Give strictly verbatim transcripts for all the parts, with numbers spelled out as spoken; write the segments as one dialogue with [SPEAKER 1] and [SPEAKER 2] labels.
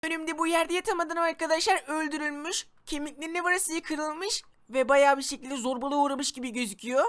[SPEAKER 1] Önümde bu yerde yatamadan arkadaşlar öldürülmüş. Kemiklerinin varası kırılmış ve bayağı bir şekilde zorbalığa uğramış gibi gözüküyor.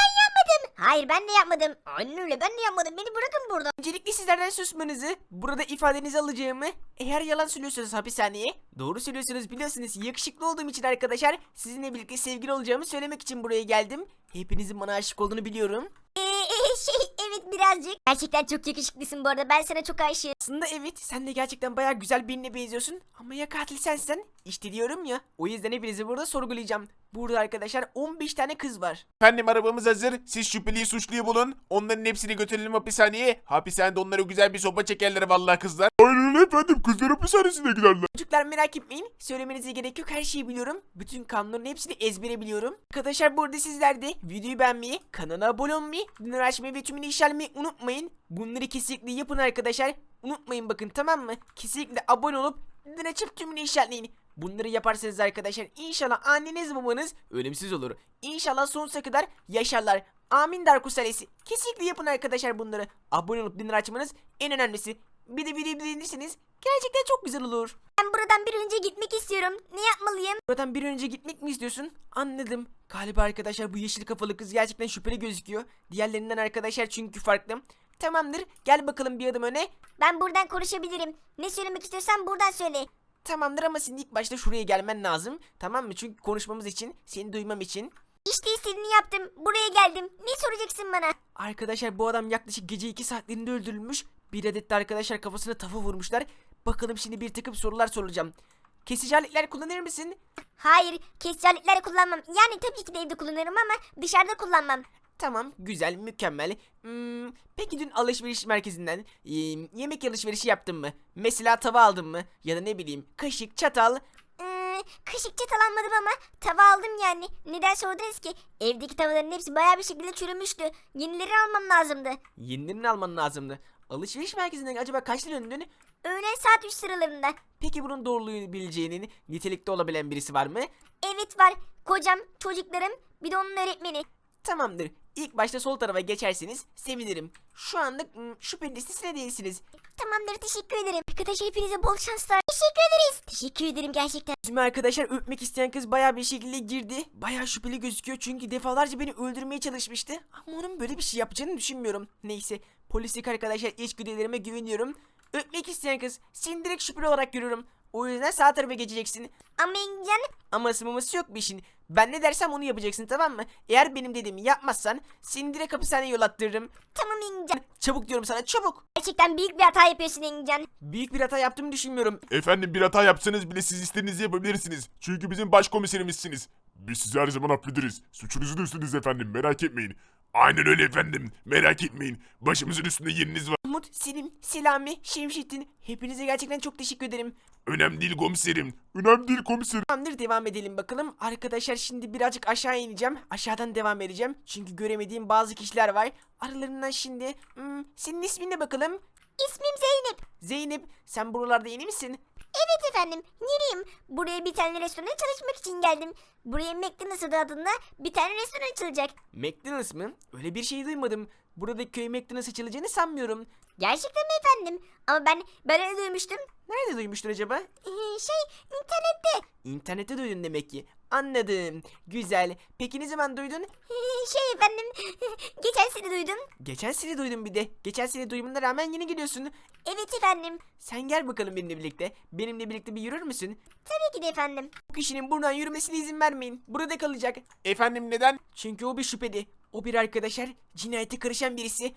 [SPEAKER 2] Hayır ben de yapmadım. Aynen öyle ben de yapmadım. Beni bırakın burada.
[SPEAKER 1] Öncelikle sizlerden susmanızı, burada ifadenizi alacağımı, eğer yalan söylüyorsanız hapishaneye, doğru söylüyorsunuz biliyorsunuz yakışıklı olduğum için arkadaşlar sizinle birlikte sevgili olacağımı söylemek için buraya geldim. Hepinizin bana aşık olduğunu biliyorum.
[SPEAKER 2] Ee, e, şey evet birazcık. Gerçekten çok yakışıklısın bu arada. Ben sana çok aşığım.
[SPEAKER 1] Aslında evet, sen de gerçekten bayağı güzel birine benziyorsun ama ya katil sensen? İşte diyorum ya, o yüzden hepinizi burada sorgulayacağım. Burada arkadaşlar on beş tane kız var.
[SPEAKER 3] Efendim arabamız hazır. Siz şüpheliyi suçluyu bulun. Onların hepsini götürelim hapishaneye. Hapishanede onlara güzel bir sopa çekerler vallahi kızlar. Aynen öyle efendim. Kızlar hapishanesine giderler.
[SPEAKER 1] Çocuklar merak etmeyin, söylemenize gerek yok, her şeyi biliyorum. Bütün kanunların hepsini ezbere biliyorum. Arkadaşlar burada sizler de videoyu beğenmeyi, kanala abone olmayı, bildirim açmayı ve tümünü işaretlemeyi unutmayın. Bunları kesinlikle yapın arkadaşlar. Unutmayın bakın, tamam mı? Kesinlikle abone olup bildirim açıp tümünü işaretleyin. Bunları yaparsanız arkadaşlar inşallah anneniz babanız ölümsüz olur. İnşallah sonsuza kadar yaşarlar. Amin Darkus ailesi. Kesinlikle yapın arkadaşlar bunları. Abone olup bildirim açmanız en önemlisi. Bir de videoyu beğenirseniz gerçekten çok güzel olur.
[SPEAKER 2] Ben buradan bir önce gitmek istiyorum. Ne yapmalıyım?
[SPEAKER 1] Buradan bir an önce gitmek mi istiyorsun? Anladım. Galiba arkadaşlar bu yeşil kafalı kız gerçekten şüpheli gözüküyor. Diğerlerinden arkadaşlar çünkü farklı. Tamamdır. Gel bakalım bir adım öne.
[SPEAKER 2] Ben buradan konuşabilirim. Ne söylemek istiyorsan buradan söyle.
[SPEAKER 1] Tamamdır ama senin ilk başta şuraya gelmen lazım. Tamam mı? Çünkü konuşmamız için, seni duymam için.
[SPEAKER 2] İşte istediğini yaptım. Buraya geldim. Ne soracaksın bana?
[SPEAKER 1] Arkadaşlar bu adam yaklaşık gece iki saatlerinde öldürülmüş. Bir adet de arkadaşlar kafasına tafa vurmuşlar. Bakalım şimdi bir takım sorular soracağım. Kesici aletler kullanır mısın?
[SPEAKER 2] Hayır, kesici aletleri kullanmam. Yani tabii ki de evde kullanırım ama dışarıda kullanmam.
[SPEAKER 1] Tamam, güzel, mükemmel. Hmm, peki dün alışveriş merkezinden e, yemek alışverişi yaptın mı? Mesela tava aldın mı? Ya da ne bileyim kaşık, çatal.
[SPEAKER 2] Ee, kaşık çatal almadım ama tava aldım yani. Neden sordunuz ki? Evdeki tavaların hepsi bayağı bir şekilde çürümüştü. Yenilerini almam lazımdı.
[SPEAKER 1] Yenilerini alman lazımdı. Alışveriş merkezinden acaba kaçta döndün?
[SPEAKER 2] Öğlen saat üç sıralarında.
[SPEAKER 1] Peki bunun doğruluğu bileceğinin nitelikte olabilen birisi var mı?
[SPEAKER 2] Evet var. Kocam, çocuklarım, bir de onun öğretmeni.
[SPEAKER 1] Tamamdır. İlk başta sol tarafa geçerseniz sevinirim. Şu anda hmm, şüpheli listesine değilsiniz.
[SPEAKER 2] Tamamdır, teşekkür ederim. Arkadaşlar hepinize bol şanslar. Teşekkür ederiz. Teşekkür ederim gerçekten.
[SPEAKER 1] Bizim arkadaşlar öpmek isteyen kız bayağı bir şekilde girdi. Bayağı şüpheli gözüküyor çünkü defalarca beni öldürmeye çalışmıştı. Ama onun böyle bir şey yapacağını düşünmüyorum. Neyse, polislik arkadaşlar içgüdülerime güveniyorum. Öpmek isteyen kız seni direkt şüpheli olarak görüyorum. O yüzden sağ tarafa geçeceksin.
[SPEAKER 2] Ama Engin,
[SPEAKER 1] Aması maması yok bir işin. Ben ne dersem onu yapacaksın, tamam mı? Eğer benim dediğimi yapmazsan seni direkt hapishaneye yol attırırım.
[SPEAKER 2] tamam Engin.
[SPEAKER 1] Çabuk diyorum sana, çabuk.
[SPEAKER 2] Gerçekten büyük bir hata yapıyorsun Engin.
[SPEAKER 1] Büyük bir hata yaptığımı düşünmüyorum.
[SPEAKER 3] Efendim bir hata yapsanız bile siz istediğinizi yapabilirsiniz. Çünkü bizim başkomiserimizsiniz. Biz sizi her zaman affederiz. Suçunuzun üstünüz efendim merak etmeyin. Aynen öyle efendim merak etmeyin. Başımızın üstünde yeriniz var.
[SPEAKER 1] Umut, Selim, Selami, Şemşettin, hepinize gerçekten çok teşekkür ederim.
[SPEAKER 3] Önemli değil komiserim. Önemli değil komiserim.
[SPEAKER 1] Tamamdır, devam edelim bakalım. Arkadaşlar şimdi birazcık aşağı ineceğim. Aşağıdan devam edeceğim. Çünkü göremediğim bazı kişiler var. Aralarından şimdi hmm, senin ismin ne bakalım?
[SPEAKER 2] İsmim Zeynep.
[SPEAKER 1] Zeynep, sen buralarda yeni misin?
[SPEAKER 2] Evet efendim, yeniyim. Buraya bir tane restorana çalışmak için geldim. Buraya McDonald's adı adında bir tane restoran açılacak.
[SPEAKER 1] McDonald's mı? Öyle bir şey duymadım. Buradaki köy McDonald's açılacağını sanmıyorum.
[SPEAKER 2] Gerçekten mi efendim? Ama ben ben öyle duymuştum.
[SPEAKER 1] Nerede duymuştun acaba?
[SPEAKER 2] Ee, şey internette.
[SPEAKER 1] İnternette duydun demek ki. Anladım. Güzel. Peki ne zaman duydun?
[SPEAKER 2] Ee, şey efendim geçen sene duydum.
[SPEAKER 1] Geçen sene duydum bir de. Geçen sene duymana rağmen yeni geliyorsun.
[SPEAKER 2] Evet efendim.
[SPEAKER 1] Sen gel bakalım benimle birlikte. Benimle birlikte bir yürür müsün?
[SPEAKER 2] Tabii ki de efendim.
[SPEAKER 1] Bu kişinin buradan yürümesine izin vermeyin. Burada kalacak.
[SPEAKER 3] Efendim neden?
[SPEAKER 1] Çünkü o bir şüpheli. O bir arkadaşlar. Cinayete karışan birisi.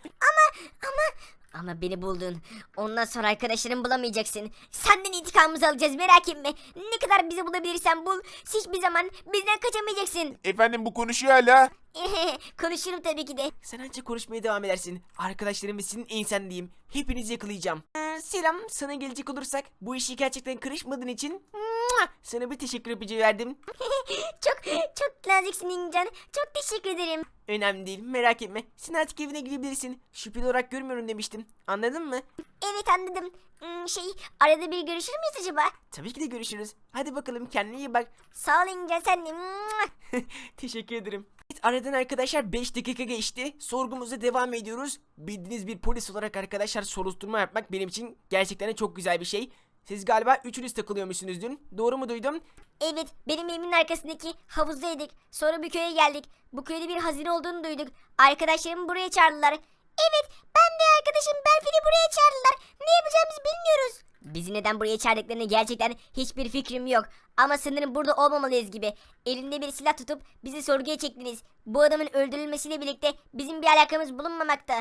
[SPEAKER 2] Ama beni buldun. Ondan sonra arkadaşlarımı bulamayacaksın. Senden intikamımızı alacağız merak etme. Ne kadar bizi bulabilirsen bul. Hiçbir zaman bizden kaçamayacaksın.
[SPEAKER 3] Efendim bu konuşuyor hala.
[SPEAKER 2] Konuşurum tabii ki de.
[SPEAKER 1] Sen ancak konuşmaya devam edersin. Arkadaşlarım ve senin ensendeyim. Hepinizi yakalayacağım. Ee, selam. Sana gelecek olursak bu işi gerçekten karışmadığın için mua, sana bir teşekkür öpücüğü verdim.
[SPEAKER 2] Çok çok naziksin İngilizcan. Çok teşekkür ederim.
[SPEAKER 1] Önemli değil, merak etme. Sen artık evine gidebilirsin. Şüpheli olarak görmüyorum demiştim. Anladın mı?
[SPEAKER 2] Evet anladım. Hmm, şey arada bir görüşür müyüz acaba?
[SPEAKER 1] Tabii ki de görüşürüz. Hadi bakalım, kendine iyi bak.
[SPEAKER 2] Sağ ol İngilizcan sen de. Mua.
[SPEAKER 1] Teşekkür ederim. Evet, aradan arkadaşlar beş dakika geçti. Sorgumuza devam ediyoruz. Bildiğiniz bir polis olarak arkadaşlar soruşturma yapmak benim için gerçekten de çok güzel bir şey. Siz galiba üçünüz takılıyormuşsunuz dün. Doğru mu duydum?
[SPEAKER 2] Evet, benim evimin arkasındaki havuzdaydık. Sonra bir köye geldik. Bu köyde bir hazine olduğunu duyduk. Arkadaşlarımı buraya çağırdılar. Evet, ben ve arkadaşım Berfin'i buraya çağırdılar. Ne yapacağımızı bilmiyoruz. Bizi neden buraya çağırdıklarını gerçekten hiçbir fikrim yok. Ama sanırım burada olmamalıyız gibi. Elinde bir silah tutup bizi sorguya çektiniz. Bu adamın öldürülmesiyle birlikte bizim bir alakamız bulunmamakta.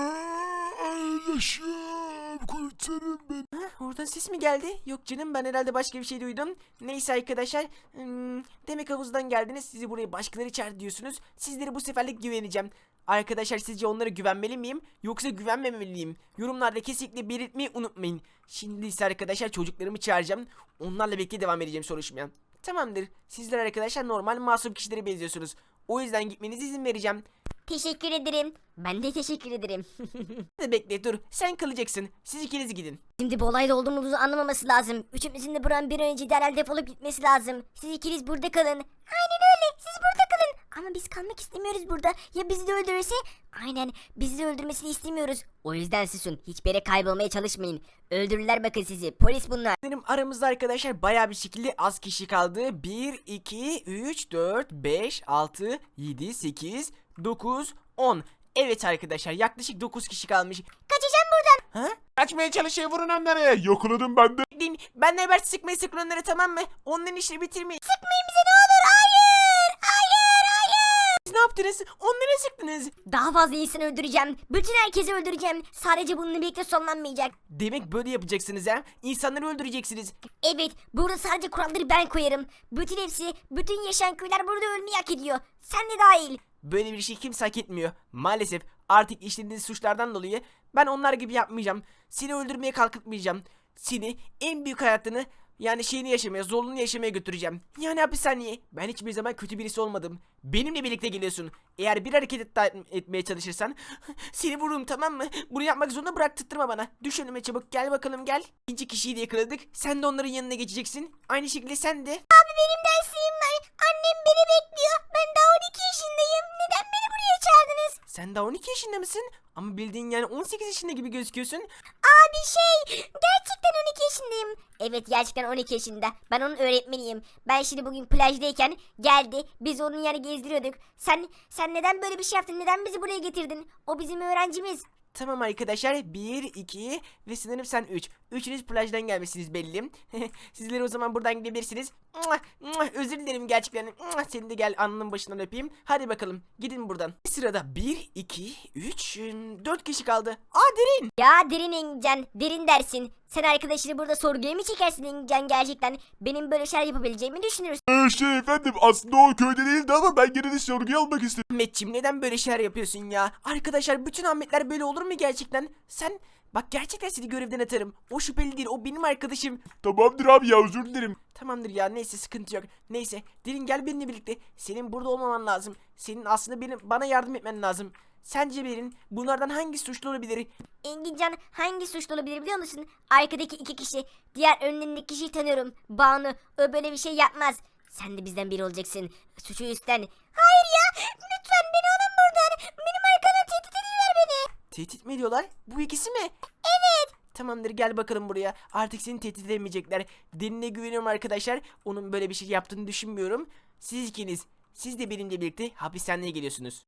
[SPEAKER 3] Yaşam kurtarın beni.
[SPEAKER 1] Ha, oradan ses mi geldi? Yok canım, ben herhalde başka bir şey duydum. Neyse arkadaşlar. hmm, demek havuzdan geldiniz. Sizi buraya başkaları çağırdı diyorsunuz. Sizlere bu seferlik güveneceğim. Arkadaşlar, sizce onlara güvenmeli miyim yoksa güvenmemeliyim? Yorumlarda kesinlikle belirtmeyi unutmayın. Şimdi ise arkadaşlar çocuklarımı çağıracağım. Onlarla birlikte devam edeceğim soruşturmaya. Tamamdır. Sizler arkadaşlar normal masum kişilere benziyorsunuz. O yüzden gitmenize izin vereceğim.
[SPEAKER 2] Teşekkür ederim. Ben de teşekkür ederim.
[SPEAKER 1] Hadi bekle, dur. Sen kalacaksın. Siz ikiniz gidin.
[SPEAKER 2] Şimdi bu olayda olduğumuzu anlamaması lazım. Üçümüzün de buranın bir an önce derhal defolup gitmesi lazım. Siz ikiniz burada kalın. Aynen öyle. Siz burada kalın. Ama biz kalmak istemiyoruz burada. Ya bizi de öldürürse? Aynen. Bizi de öldürmesini istemiyoruz. O yüzden susun. Hiçbir yere kaybolmaya çalışmayın. Öldürürler bakın sizi. Polis bunlar.
[SPEAKER 1] Benim aramızda arkadaşlar bayağı bir şekilde az kişi kaldı. bir, iki, üç, dört, beş, altı, yedi, sekiz, dokuz, on. Evet arkadaşlar, yaklaşık dokuz kişi kalmış.
[SPEAKER 2] Kaçacağım buradan.
[SPEAKER 1] Ha?
[SPEAKER 3] Kaçmaya çalışıyor, vurun onları. Yakaladım ben de.
[SPEAKER 1] Bekleyin, benle haber sıkmayı sıkın onları, tamam mı? Onların işini bitirmeyin.
[SPEAKER 2] Sıkmayın bize ne olur. Hayır. Hayır. Hayır.
[SPEAKER 1] Siz ne yaptınız? Onlara sıktınız.
[SPEAKER 2] Daha fazla insan öldüreceğim. Bütün herkesi öldüreceğim. Sadece bununla birlikte sonlanmayacak.
[SPEAKER 1] Demek böyle yapacaksınız ha? İnsanları öldüreceksiniz.
[SPEAKER 2] Evet, burada sadece kuralları ben koyarım. Bütün hepsi, bütün yaşayan köyler burada ölmeyi hak ediyor. Sen de dahil.
[SPEAKER 1] Böyle bir şey kimse hak etmiyor. Maalesef artık işlediğiniz suçlardan dolayı ben onlar gibi yapmayacağım. Seni öldürmeye kalkıtmayacağım. Seni en büyük hayatını, yani şeyini yaşamaya, zorluğunu yaşamaya götüreceğim. Yani hapishaneye. Ben hiçbir zaman kötü birisi olmadım. Benimle birlikte geliyorsun. Eğer bir hareket et etmeye çalışırsan seni vururum, tamam mı? Bunu yapmak zorunda bıraktırtma bana. Düş önüme çabuk, gel bakalım gel. İkinci kişiyi de yakaladık. Sen de onların yanına geçeceksin. Aynı şekilde sen de.
[SPEAKER 2] Abi benim dersliğim var. Annem beni bekliyor. Ben daha on iki yaşındayım. Neden beni buraya çağırdınız?
[SPEAKER 1] Sen daha on iki yaşında mısın? Ama bildiğin yani on sekiz yaşında gibi gözüküyorsun.
[SPEAKER 2] Abi şey, gerçekten on iki yaşındayım. Evet, gerçekten on iki yaşında. Ben onun öğretmeniyim. Ben şimdi bugün plajdayken geldi. Biz onun yanı gezdiriyorduk. Sen sen neden böyle bir şey yaptın? Neden bizi buraya getirdin? O bizim öğrencimiz.
[SPEAKER 1] Tamam arkadaşlar, bir, iki ve sanırım sen üç. Üçünüz plajdan gelmişsiniz belli. Sizleri o zaman buradan gidebilirsiniz. Mua, mua, özür dilerim gerçekten. Mua, seni de gel alnının başından öpeyim. Hadi bakalım gidin buradan. Sırada bir, iki, üç, dört kişi kaldı. Aa, Derin.
[SPEAKER 2] Ya derin Engincan, derin dersin. Sen arkadaşını burada sorguya mı çekersin Engincan gerçekten? Benim böyle şeyler yapabileceğimi düşünürsün.
[SPEAKER 3] Ee, şey efendim, aslında o köyde değildi ama ben gene de sorguya almak istedim.
[SPEAKER 1] Ahmetciğim, neden böyle şeyler yapıyorsun ya? Arkadaşlar, bütün Ahmetler böyle olur mu gerçekten? Sen bak, gerçekten seni görevden atarım. O şüpheli değil, o benim arkadaşım.
[SPEAKER 3] Tamamdır abi ya, özür dilerim.
[SPEAKER 1] Tamamdır ya, neyse, sıkıntı yok. Neyse, Derin gel benimle birlikte. Senin burada olmaman lazım. Senin aslında benim bana yardım etmen lazım. Sence Derin bunlardan hangi suçlu olabilir?
[SPEAKER 2] Engincan hangi suçlu olabilir biliyor musun? Arkadaki iki kişi. Diğer önlerindeki kişiyi tanıyorum. Banu. O böyle bir şey yapmaz. Sen de bizden biri olacaksın. Suçu üstlen. Hayır ya. Lütfen beni alın buradan. Benim arkamdan tehdit ediyorlar beni.
[SPEAKER 1] Tehdit mi ediyorlar? Bu ikisi mi? Evet. Tamamdır, gel bakalım buraya. Artık seni tehdit edemeyecekler. Derin'e güveniyorum arkadaşlar. Onun böyle bir şey yaptığını düşünmüyorum. Siz ikiniz, siz de benimle birlikte hapishaneye geliyorsunuz.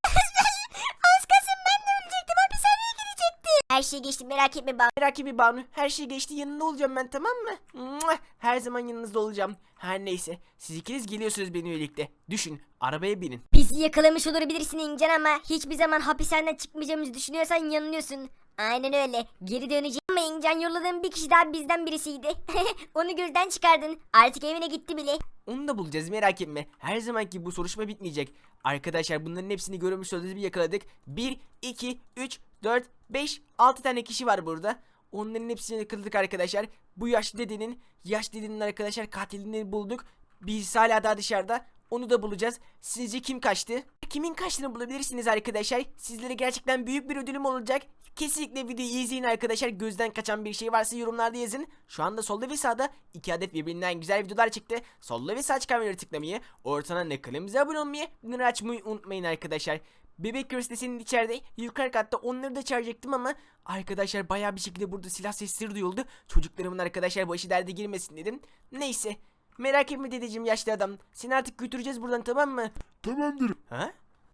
[SPEAKER 2] Az kalsın ben de ölecektim. Hapishaneye gidecektim. Her şey geçti, merak etme Banu.
[SPEAKER 1] Merak etme Banu, her şey geçti, yanında olacağım ben, tamam mı? Mua! Her zaman yanınızda olacağım. Her neyse, siz ikiniz geliyorsunuz benimle birlikte. Düşün, arabaya binin.
[SPEAKER 2] Bizi yakalamış olabilirsin İncan ama hiçbir zaman hapishaneden çıkmayacağımızı düşünüyorsan yanılıyorsun. Aynen öyle. Geri döneceğim ama İncan yolladığın bir kişi daha bizden birisiydi. Onu gözden çıkardın. Artık evine gitti bile.
[SPEAKER 1] Onu da bulacağız, merak etme. Her zamanki bu soruşturma bitmeyecek. Arkadaşlar, bunların hepsini görmüş olduğunuz bir yakaladık. bir, iki, üç, dört, beş, altı tane kişi var burada. Onların hepsini yakaladık arkadaşlar. Bu yaşlı dedenin, yaş dedenin arkadaşlar katilini bulduk. Biz hala daha dışarıda. Onu da bulacağız. Sizce kim kaçtı? Kimin kaçtığını bulabilirsiniz arkadaşlar. Sizlere gerçekten büyük bir ödülüm olacak. Kesinlikle videoyu izleyin arkadaşlar. Gözden kaçan bir şey varsa yorumlarda yazın. Şu anda solda ve sağda iki adet birbirinden güzel videolar çıktı. Solda ve sağ çıkan videoları tıklamayı, ortadan da kanalımıza abone olmayı, bildirimleri açmayı unutmayın arkadaşlar. Bebek Göz de senin içeride. Yukarı katta onları da çağıracaktım ama arkadaşlar bayağı bir şekilde burada silah sesleri duyuldu. Çocuklarımın arkadaşlar başı derde girmesin dedim. Neyse. Merak etme dedeciğim yaşlı adam. Seni artık götüreceğiz buradan, tamam mı?
[SPEAKER 3] Tamamdır.
[SPEAKER 1] Ha?